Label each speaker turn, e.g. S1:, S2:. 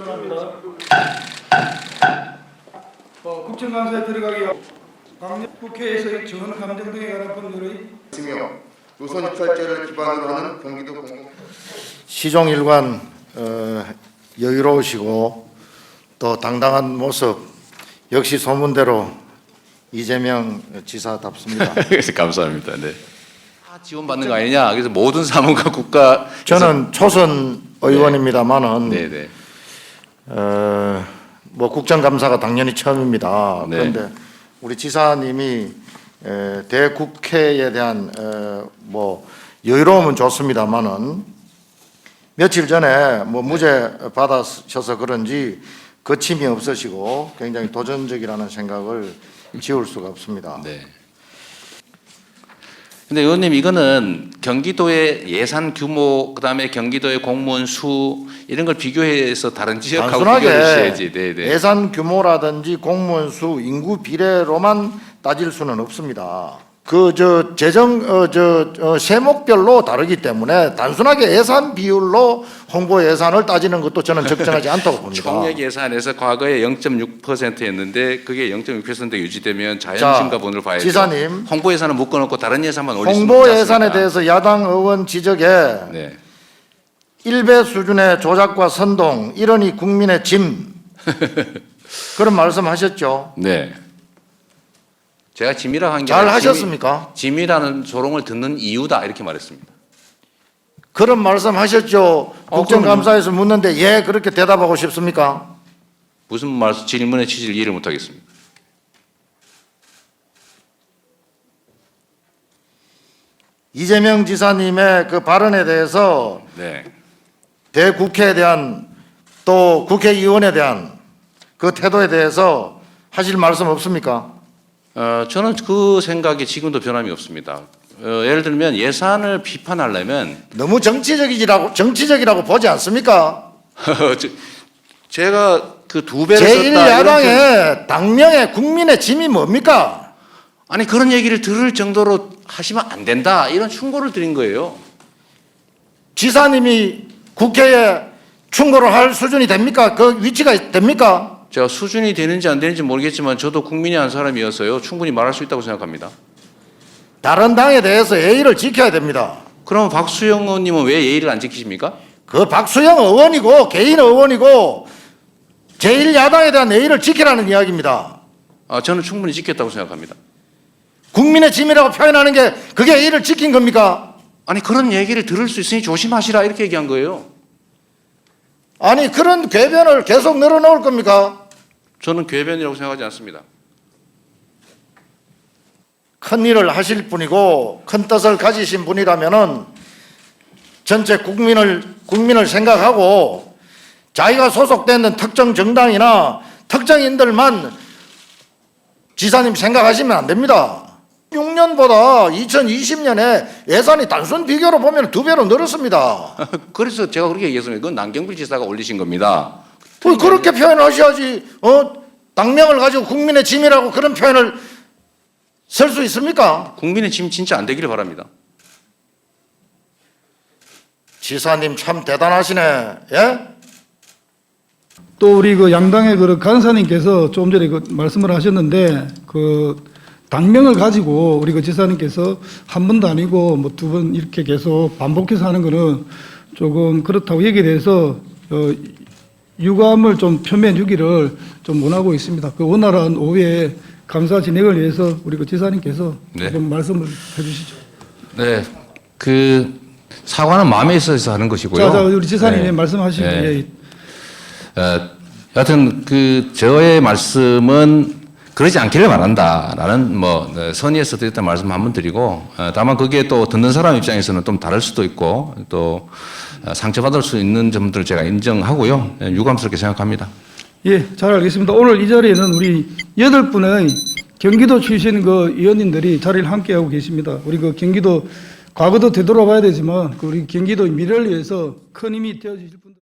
S1: 선언합니다. 국정감사에 들어가기 국회에서의 전 감정 등에 관한 법률의
S2: 있으며 노선 입찰제를 기반으로 하는 경기도 공공
S3: 시종일관 여유로우시고 또 당당한 모습 역시 소문대로 이재명 지사답습니다.
S4: 감사합니다. 네. 지원받는 거 아니냐? 그래서 모든 사무가 국가
S3: 저는 초선 의원입니다만은
S4: 네네.
S3: 뭐 국정감사가 당연히 처음입니다.
S4: 네.
S3: 그런데 우리 지사님이 대국회에 대한 뭐 여유로움은 좋습니다만은 며칠 전에 뭐 무죄 받으셔서 그런지 거침이 없으시고 굉장히 도전적이라는 생각을 지울 수가 없습니다.
S4: 네. 근데 의원님 이거는 경기도의 예산 규모 그다음에 경기도의 공무원 수 이런 걸 비교해서 다른 지역하고 비교해 주셔야지. 네, 네.
S3: 예산 규모라든지 공무원 수, 인구 비례로만 따질 수는 없습니다. 세목별로 다르기 때문에 단순하게 예산 비율로 홍보 예산을 따지는 것도 저는 적정하지 않다고 봅니다.
S4: 총액 예산에서 과거에 0.6%였는데 그게 0.6% 유지되면 자연 증가분을 봐야죠.
S3: 지사님,
S4: 홍보 예산은 묶어놓고 다른 예산만 올릴 수 있지
S3: 홍보
S4: 않습니까?
S3: 예산에 대해서 야당 의원 지적에
S4: 네.
S3: 1배 수준의 조작과 선동, 이러니 국민의 짐 그런 말씀하셨죠.
S4: 네. 제가 짐이라고 한 게
S3: 잘 하셨습니까?
S4: 짐이라는 조롱을 듣는 이유다 이렇게 말했습니다.
S3: 그런 말씀하셨죠. 국정감사에서 묻는데 예 그렇게 대답하고 싶습니까?
S4: 무슨 말씀 질문의 취지를 이해를 못하겠습니다.
S3: 이재명 지사님의 그 발언에 대해서
S4: 네.
S3: 대국회에 대한 또 국회의원에 대한 그 태도에 대해서 하실 말씀 없습니까?
S4: 저는 그 생각이 지금도 변함이 없습니다. 예를 들면 예산을 비판하려면
S3: 너무 정치적이라고 보지 않습니까?
S4: 제가 그 2배를 썼다
S3: 제1야당의 당명의 국민의 짐이 뭡니까?
S4: 아니 그런 얘기를 들을 정도로 하시면 안 된다 이런 충고를 드린 거예요.
S3: 지사님이 국회에 충고를 할 수준이 됩니까? 그 위치가 됩니까?
S4: 제가 수준이 되는지 안 되는지 모르겠지만 저도 국민의 한 사람이어서요 충분히 말할 수 있다고 생각합니다.
S3: 다른 당에 대해서 예의를 지켜야 됩니다.
S4: 그럼 박수영 의원님은 왜 예의를 안 지키십니까?
S3: 그 박수영 의원이고 개인 의원이고 제1야당에 대한 예의를 지키라는 이야기입니다.
S4: 저는 충분히 지켰다고 생각합니다.
S3: 국민의 짐이라고 표현하는 게 그게 예의를 지킨 겁니까?
S4: 아니 그런 얘기를 들을 수 있으니 조심하시라 이렇게 얘기한 거예요.
S3: 아니 그런 궤변을 계속 늘어놓을 겁니까?
S4: 저는 궤변이라고 생각하지 않습니다.
S3: 큰 일을 하실 분이고 큰 뜻을 가지신 분이라면은 전체 국민을 생각하고 자기가 소속되는 특정 정당이나 특정인들만 지사님 생각하시면 안 됩니다. 6년보다 2020년에 예산이 단순 비교로 보면 2배로 늘었습니다.
S4: 그래서 제가 그렇게 얘기했습니다. 그건 남경필 지사가 올리신 겁니다.
S3: 그렇게 표현하셔야지. 당명을 가지고 국민의 짐이라고 그런 표현을 쓸 수 있습니까?
S4: 국민의 짐 진짜 안 되기를 바랍니다.
S3: 지사님 참 대단하시네. 예?
S1: 또 우리 그 양당의 그 간사님께서 좀 전에 그 말씀을 하셨는데 그 당명을 가지고 우리 그 지사님께서 한 번도 아니고 뭐 2번 이렇게 계속 반복해서 하는 거는 조금 그렇다고 얘기에 대해서 유감을 좀 표명해 주기를 좀 원하고 있습니다. 그 원활한 오후에 감사 진행을 위해서 우리 그 지사님께서
S4: 네.
S1: 좀 말씀을 해주시죠.
S4: 네, 그 사과는 마음에 있어서 하는 것이고요.
S1: 자, 우리 지사님이
S4: 네.
S1: 말씀하시죠.
S4: 네. 여하튼 그 저의 말씀은 그러지 않기를 바란다라는 뭐 선의에서 드렸던 말씀 한번 드리고 다만 그게 또 듣는 사람 입장에서는 좀 다를 수도 있고 또 상처받을 수 있는 점들을 제가 인정하고요. 유감스럽게 생각합니다.
S1: 예, 잘 알겠습니다. 오늘 이 자리에는 우리 8분의 경기도 출신 그 의원님들이 자리를 함께하고 계십니다. 우리 그 경기도 과거도 되돌아봐야 되지만 그 우리 경기도 미래를 위해서 큰 힘이 되어주실 분들.